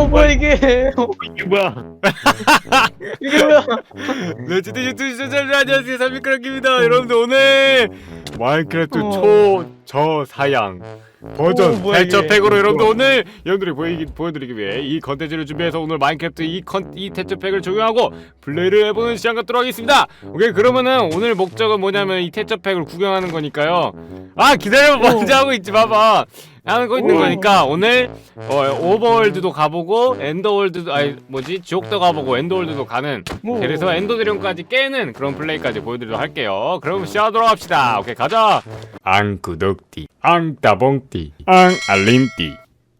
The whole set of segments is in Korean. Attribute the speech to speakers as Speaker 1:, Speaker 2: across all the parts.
Speaker 1: 뭐야 이게?
Speaker 2: 이게 뭐야?
Speaker 1: 이게 뭐야?
Speaker 3: 네, 진짜 유튜브 시청자들 안녕하세요. 삼미크랑입니다. 여러분들 오늘 마인크래프트
Speaker 1: 어.
Speaker 3: 초저사양 버전
Speaker 1: 뭐야, 이게?
Speaker 3: 대처팩으로 여러분들 오늘 여러분들이 보여드리기 위해 이 컨텐츠를 준비해서 오늘 마인크래프트 이 대처팩을 적용하고 플레이를 해보는 시간 갖도록 하겠습니다. 오케이, 그러면은 오늘 목적은 뭐냐면 이 대처팩을 구경하는 거니까요. 아, 기다려봐. 먼저 하고 있지, 봐봐. 하는 거 있는 거니까 오늘 오버월드도 가보고 엔더월드도 지옥도 가보고 엔더월드도 가는, 그래서 엔더드래곤까지 깨는 그런 플레이까지 보여드리도록 할게요. 그럼 시작하도록 합시다. 오케이, 가자. 앙 구독띠 앙 따봉띠 앙 알림띠.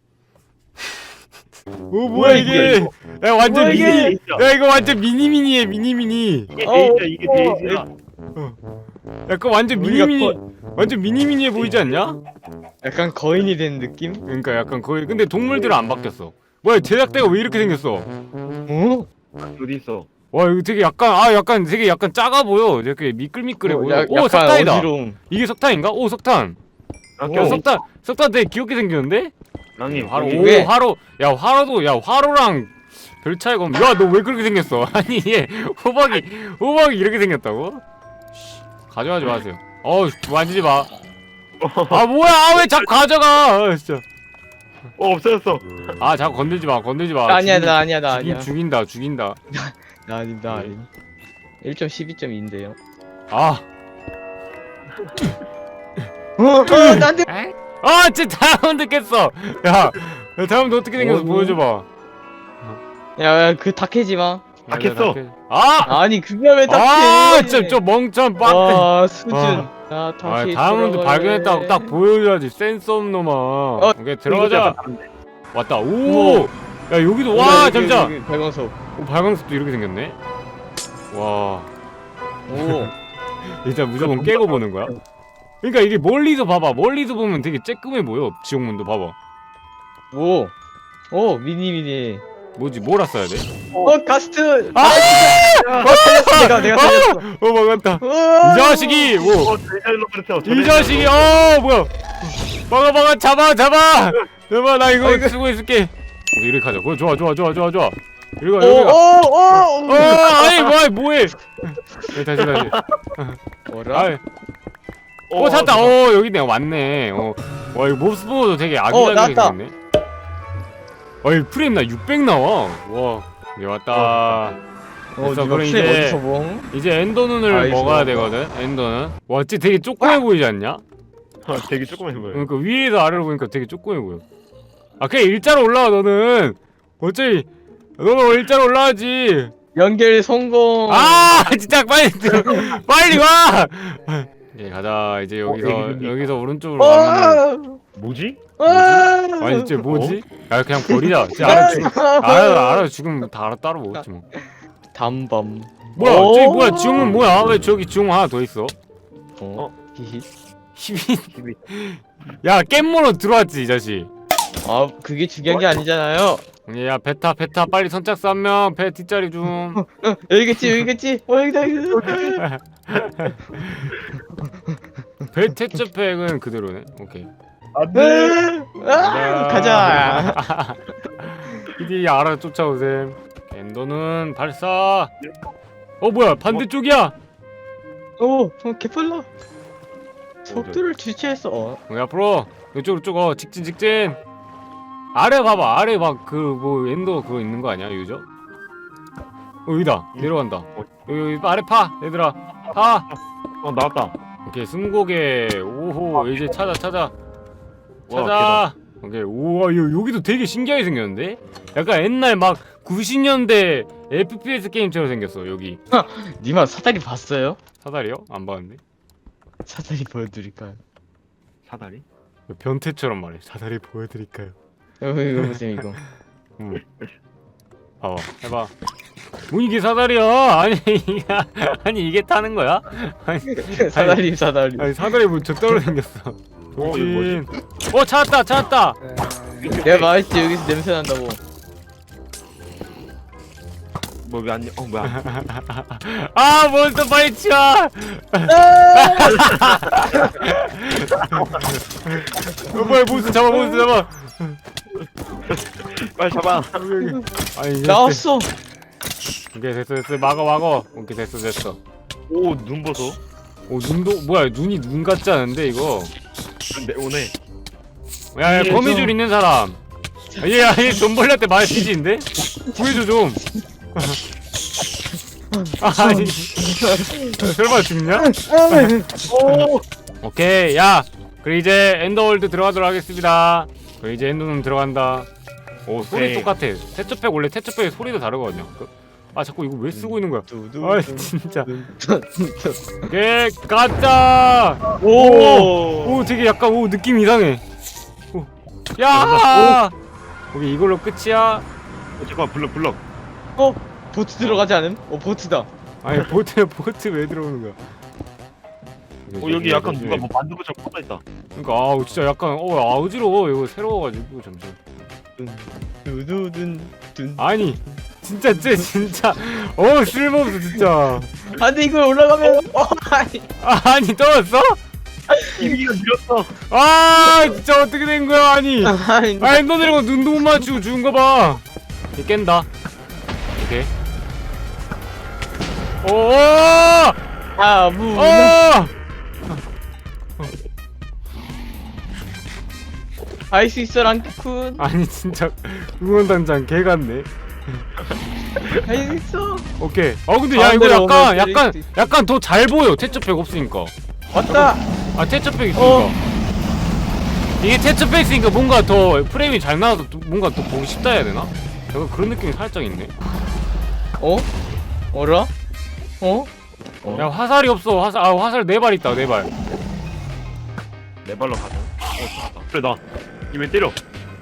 Speaker 3: 오, 뭐야 이게? 야, 완전
Speaker 1: 뭐야, 이게?
Speaker 3: 미니. 야, 이거 완전 미니미니해. 미니미니.
Speaker 2: 이게 데이지야, 이게 데이지야.
Speaker 3: 약간 완전
Speaker 1: 우리가
Speaker 3: 미니미니. 완전 미니미니해 보이지 않냐?
Speaker 1: 약간 거인이 된 느낌?
Speaker 3: 그러니까 약간 거의, 근데 동물들은 안 바뀌었어. 뭐야, 제작대가 왜 이렇게 생겼어?
Speaker 1: 어?
Speaker 2: 어디 있어?
Speaker 3: 와, 이거 되게 약간 되게 약간 작아 보여. 이렇게 미끌미끌해 보여. 오,
Speaker 1: 약간
Speaker 3: 석탄이다.
Speaker 1: 어지러움.
Speaker 3: 이게 석탄인가? 오, 석탄. 야, 석탄 되게 귀엽게 생겼는데?
Speaker 2: 랑님,
Speaker 3: 화로.
Speaker 1: 여기
Speaker 3: 오,
Speaker 1: 왜?
Speaker 3: 화로. 야, 화로랑 별 차이가 없네. 야, 너 왜 그렇게 생겼어? 아니, 얘 호박이 이렇게 생겼다고? 가져가지 마세요. 만지지 마. 아, 뭐야? 왜 자꾸 가져가? 진짜.
Speaker 2: 없어졌어.
Speaker 3: 자꾸 건들지 마.
Speaker 1: 아니야 나 아니야 나 아니야.
Speaker 3: 죽인다.
Speaker 1: 나 아님 나 아님. 1.12.2인데요.
Speaker 3: 아.
Speaker 1: 나한테.
Speaker 3: 진짜 다이아몬드 깼어. 야, 다이아몬드 어떻게 생겼어? 보여줘봐.
Speaker 1: 야 그 닭해지 마.
Speaker 2: 닭했어.
Speaker 1: 아니 그게 왜 닭해?
Speaker 3: 저 멍청 빡대.
Speaker 1: 와 수준. 야 다시.
Speaker 3: 다이아몬드 발견했다고 딱 보여줘야지. 센스 없는 놈아. 오케이, 들어가자. 왔다. 오. 야, 여기도 잠시만.
Speaker 1: 발광석.
Speaker 3: 발광석도 이렇게 생겼네. 와.
Speaker 1: 오.
Speaker 3: 일단 무조건 깨고 보는 거야. 그러니까 이게 멀리서 봐봐. 멀리서 보면 되게 쬐끔해 보여. 지옥문도 봐봐.
Speaker 1: 오. 오 미니.
Speaker 3: 뭐지? 뭐라 써야 돼?
Speaker 1: 가스트.
Speaker 3: 살렸어.
Speaker 1: 내가 살렸어.
Speaker 3: 막았다. 이 자식이. 이 자식이. 뭐야? 막아. 잡아. 나 이거 쓰고 있을게. 오케이, 이렇게 하자. 그거 좋아. 여기가. 아니, 뭐해? 다시.
Speaker 1: 뭐라?
Speaker 3: 찾았다. 여기네. 왔네. 와, 이거 몹스포도 되게 아기자기하게
Speaker 1: 나왔다.
Speaker 3: 생겼네. 이 프레임 나 600 나와. 와, 이제 왔다. 됐어. 그럼 이제 엔더 눈을 먹어야 되거든. 엔더는. 와, 진짜 되게 조그매 보이지 않냐?
Speaker 2: 되게 조그만 보여.
Speaker 3: 그러니까 위에서 아래로 보니까 되게 조그매 보여. 그냥 일자로 올라와. 너는 어차피 너는 일자로 올라가지.
Speaker 1: 연결 성공.
Speaker 3: 진짜 빨리 와. 예, 가자. 이제 여기서 오른쪽으로 가면
Speaker 2: 뭐지?
Speaker 3: 아니 진짜 뭐지? 야, 그냥 버리자. 진짜 알아 죽으면 다 따로 먹었지 뭐.
Speaker 1: 담밤.
Speaker 3: 뭐야? 저기 뭐야? 지옥문 뭐야? 왜 저기 지옥문 하나 더 있어?
Speaker 1: 히히.
Speaker 3: 히히. 야, 깻모로 들어왔지 이 자식.
Speaker 1: 그게 중요한 게 아니잖아요.
Speaker 3: 야, 베타 빨리 선착순 한 명. 배 뒷자리 좀.
Speaker 1: 여기겠지. 여기다.
Speaker 3: 배 태초팩은 그대로네. 오케이.
Speaker 2: 안돼.
Speaker 1: 가자.
Speaker 3: 이디 알아 쫓아오셈. 엔더는 발사. 뭐야? 반대쪽이야.
Speaker 1: 개빨라. 속도를 주체했어.
Speaker 3: 앞으로 이쪽으로 직진. 아래 봐봐. 아래 엔더 그거 있는 거 아니야, 유저? 여기다. 내려간다. 여기 아래 파. 얘들아. 파.
Speaker 2: 나왔다.
Speaker 3: 오케이, 스무고개. 오호, 이제 찾아. 오케이. 우와, 여기도 되게 신기하게 생겼는데? 약간 옛날 막 90년대 FPS 게임처럼 생겼어. 여기
Speaker 1: 니마 사다리 봤어요?
Speaker 3: 사다리요? 안 봤는데?
Speaker 1: 사다리 보여드릴까요?
Speaker 2: 사다리?
Speaker 3: 변태처럼 말해. 사다리 보여드릴까요?
Speaker 1: 이거 보세요 이거.
Speaker 3: 해봐. 뭐 이게 사다리야? 아니 이게 타는 거야?
Speaker 1: 사다리.
Speaker 3: 아니 사다리 뭐 저따로 생겼어. 돌진. 찾았다.
Speaker 1: 내가 말했지 여기서 냄새 난다고.
Speaker 2: 뭐 왜 안? 뭐야?
Speaker 3: 몬스터 빨리 치워. 뭐야, 몬스터 잡아.
Speaker 2: 빨리 잡아.
Speaker 3: 아니 이제
Speaker 1: 나왔어.
Speaker 3: 오케이 됐어 막어 오케이 됐어
Speaker 2: 오, 눈 보소.
Speaker 3: 오 눈도 뭐야 눈이 눈 같지 않은데 이거
Speaker 2: 근데 오네.
Speaker 3: 야
Speaker 1: 예,
Speaker 3: 거미줄
Speaker 1: 좀-
Speaker 3: 있는 사람 얘 돈벌레한테 말 피지인데? 구해줘 좀 아니 설마 죽냐?
Speaker 2: 오,
Speaker 3: 오케이 야 그래 이제 엔더월드 들어가도록 하겠습니다 그래 이제 엔더는 들어간다 오 소리
Speaker 2: 오케이.
Speaker 3: 똑같아 태초팩 원래 태초팩의 소리도 다르거든요 아 자꾸 이거 왜 쓰고 있는 거야
Speaker 1: 두두.
Speaker 3: 아 진짜 오케이 가자
Speaker 2: 오,
Speaker 3: 오 되게 약간 오 느낌 이상해 오. 야 오케이 이걸로 끝이야
Speaker 2: 잠깐 블럭.
Speaker 1: 어? 보트 들어가지 않음? 보트다.
Speaker 3: 아니 보트 왜 들어오는 거야
Speaker 2: 여기 약간 누가 뭐 만든 것처럼 퍼져 있다.
Speaker 3: 그러니까 아 진짜 약간 어지러워 이거 새로워가지고 점점
Speaker 1: 두두둔 둔.
Speaker 3: 아니 진짜 진짜 쓸모없어 진짜
Speaker 1: 안돼 이걸 올라가면 아니.
Speaker 3: 아니 떨어졌어?
Speaker 2: 이미가 밀었어.
Speaker 3: 아 진짜 어떻게 된 거야 아니
Speaker 1: 아니.
Speaker 3: 아 엔더 드래곤 눈도 못 맞추고 죽은 거봐 얘 깬다 오케이 오오
Speaker 1: 무. 할 수 있어 랑쿤.
Speaker 3: 아니 진짜 응원단장 개 같네
Speaker 1: 할 수 있어.
Speaker 3: 오케이 근데 야 이거
Speaker 1: 가운데로 오면
Speaker 3: 약간
Speaker 1: 때릴 수
Speaker 3: 약간 더 잘 보여 태초팩 없으니까
Speaker 1: 왔다.
Speaker 3: 아 태초팩 있으니까 이게 태초팩 있으니까 뭔가 더 프레임이 잘 나와서 뭔가 더 보기 쉽다 해야 되나? 약간 그런 느낌이 살짝 있네
Speaker 1: 어라?
Speaker 3: 야 화살이 없어 화살 4발 있다 4발
Speaker 2: 내 발로 가자. 잡았다. 그래 나. 이왜 때려?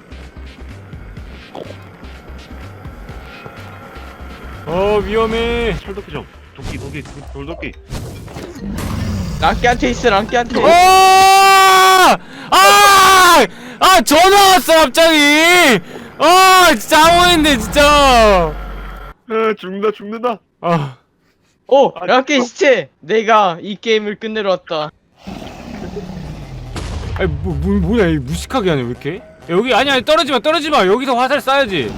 Speaker 3: 위험해
Speaker 2: 철도끼 좀. 도끼 돌도끼.
Speaker 1: 랑끼한테 있어 랑끼한테.
Speaker 3: 전화 왔어 갑자기 진짜 아무인데 진짜
Speaker 2: 죽는다.
Speaker 1: 랑끼 시체. 내가 이 게임을 끝내러 왔다.
Speaker 3: 아니 뭐야 이 무식하게 하냐 왜 이렇게 야, 여기 아니 떨어지마 여기서 화살 쏴야지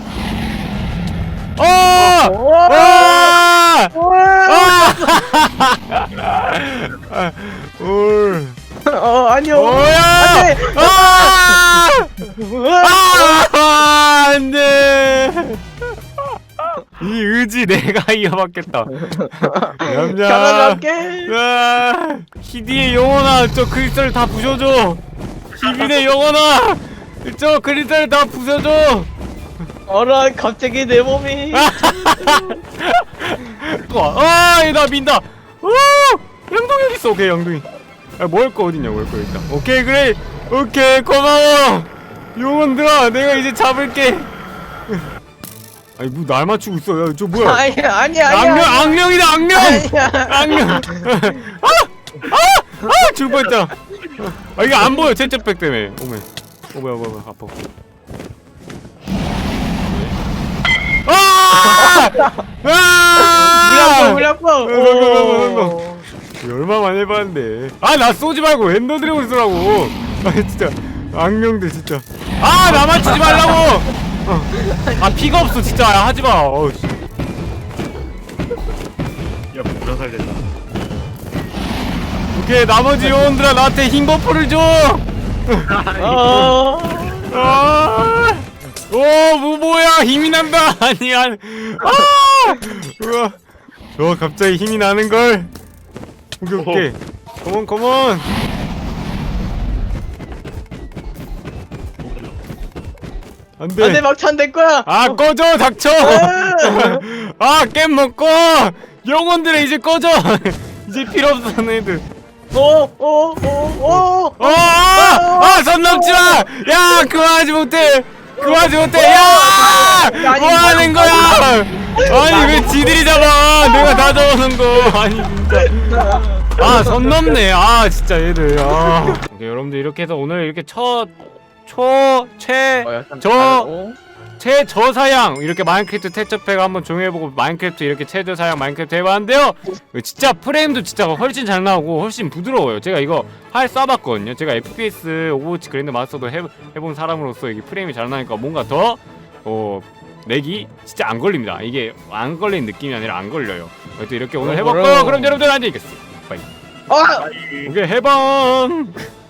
Speaker 1: 아니요.
Speaker 3: 뭐야
Speaker 1: 안돼.
Speaker 3: 안돼 이 의지 내가 이어받겠다 냠냠
Speaker 1: 가라갈게.
Speaker 3: 히디의 영혼아 저 크리스탈 다 부셔줘 히빈의 영혼아 저 크리스탈 다 부셔줘
Speaker 1: 어라 갑자기 내 몸이.
Speaker 3: 나 민다 영동이 어딨어 오케이 영동이 먹을 거 어딨냐 먹을 거 있다 오케이 그래 오케이 고마워 영혼들아 내가 이제 잡을게 아니 뭐 날 맞추고 있어 야 저 뭐야
Speaker 1: 아니야.
Speaker 3: 악령이다 악령 악령 죽을 뻔했잖아 이거 안 보여 채채백 때문에 뭐야 아파
Speaker 1: 물량포.
Speaker 3: 얼마만 해봤는데 나 쏘지 말고 엔더 드래곤 쏘라고 진짜 악령들 진짜 나 맞추지 말라고 피가 없어 진짜 하지마
Speaker 2: 야 불화살 된다.
Speaker 3: 오케이 나머지 요원들아 나한테 흰 버프를 줘 뭐야 힘이 난다 아니야 우와 갑자기 힘이 나는걸 오케이 컴온 안돼
Speaker 1: 막찬 될 거야.
Speaker 3: 꺼져 닥쳐 겜 먹고 영혼들의 이제 꺼져 이제 필요 없어 너희들 선 넘지마 야 그만하지 못해 야 뭐하는 거야 아니 왜 지들이 잡아 내가 다 잡아놓은 거 아니 진짜 선 넘네 진짜 얘들 오케이 여러분들 이렇게 해서 오늘 이렇게 최저사양 이렇게 마인크래프트 태초팩 한번 종해보고 마인크래프트 이렇게 최저사양 마인크래프트 해봤는데요. 진짜 프레임도 진짜 훨씬 잘 나오고 훨씬 부드러워요. 제가 이거 활 쏴봤거든요. 제가 FPS 오버워치 그랜드 마스터도 해본 사람으로서 이게 프레임이 잘 나니까 뭔가 더 렉이 진짜 안 걸립니다. 이게 안 걸리는 느낌이 아니라 안 걸려요. 또 이렇게 오늘 해봤고요. 그럼 여러분들 안녕히 계세요. 빠이.
Speaker 1: 아!
Speaker 3: 오케이 해방.